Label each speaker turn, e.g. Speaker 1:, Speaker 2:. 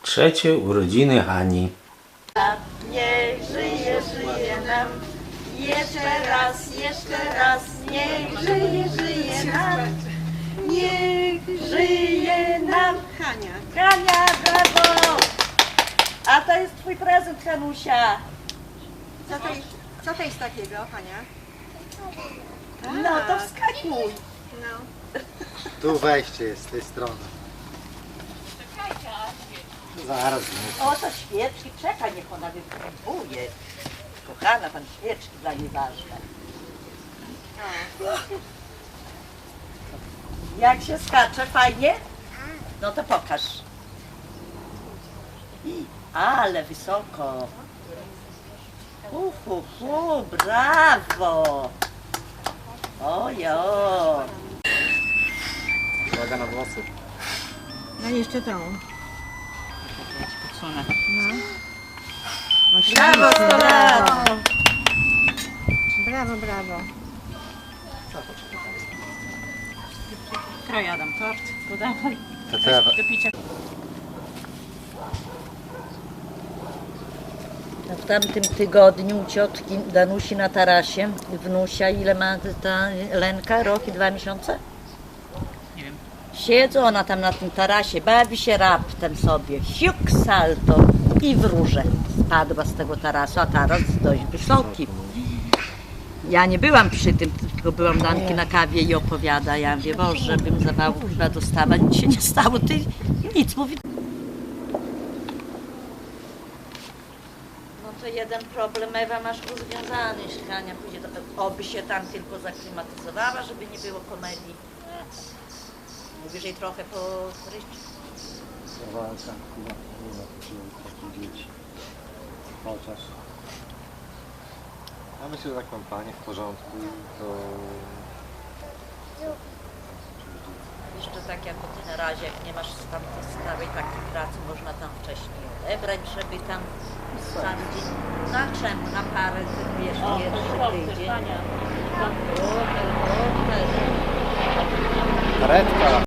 Speaker 1: Trzecie urodziny Hani.
Speaker 2: Niech żyje, żyje nam. Jeszcze raz, niech żyje, żyje nam. Niech żyje nam. Hania, brawo! A to jest twój prezent, Hanusia.
Speaker 3: Co to jest takiego, Hania?
Speaker 2: No to wskakuj.
Speaker 3: No.
Speaker 4: Tu wejście jest z tej strony. Zaraz.
Speaker 2: O, to świeczki. Czekaj, niech ona wypróbuje. Kochana, pan świeczki dla niej ważne. Jak się skacze? Fajnie? No to pokaż. Ale wysoko. Brawo. Ojo.
Speaker 4: Uwaga na włosy.
Speaker 3: No i jeszcze tą.
Speaker 2: Brawo, 100 lat.
Speaker 3: Brawo, brawo.
Speaker 5: Kroj Adam, tort, podawaj
Speaker 4: To co ja...
Speaker 5: do picia.
Speaker 2: W tamtym tygodniu u ciotki Danusi na tarasie, wnusia, ile ma ta Lenka? Rok i 2 miesiące?
Speaker 5: Nie wiem.
Speaker 2: Siedzą ona tam na tym tarasie, bawi się raptem sobie, siuk salto i w róże spadła z tego tarasu, a taras dość wysoki. Ja nie byłam przy tym, tylko byłam Danki na kawie i opowiada. Ja mówię, Boże, bym zawału chyba dostała, nic się nie stało, ty nic, mówi. No to jeden problem, Ewa, masz rozwiązany, jeśli Hania pójdzie do... Oby się tam tylko zaklimatyzowała, żeby nie było komedii. Mówisz jej trochę po ryczy.
Speaker 4: Walka, dzieci. Chociaż. Ja myślę, że tak mam panie w porządku i to...
Speaker 2: Jeszcze tak jako ty na razie, jak nie masz tam stałej takiej pracy, można tam wcześniej odebrać, żeby tam sam dzień, na czemu, na parę, wiesz, pierwszy tydzień.
Speaker 4: Karetka!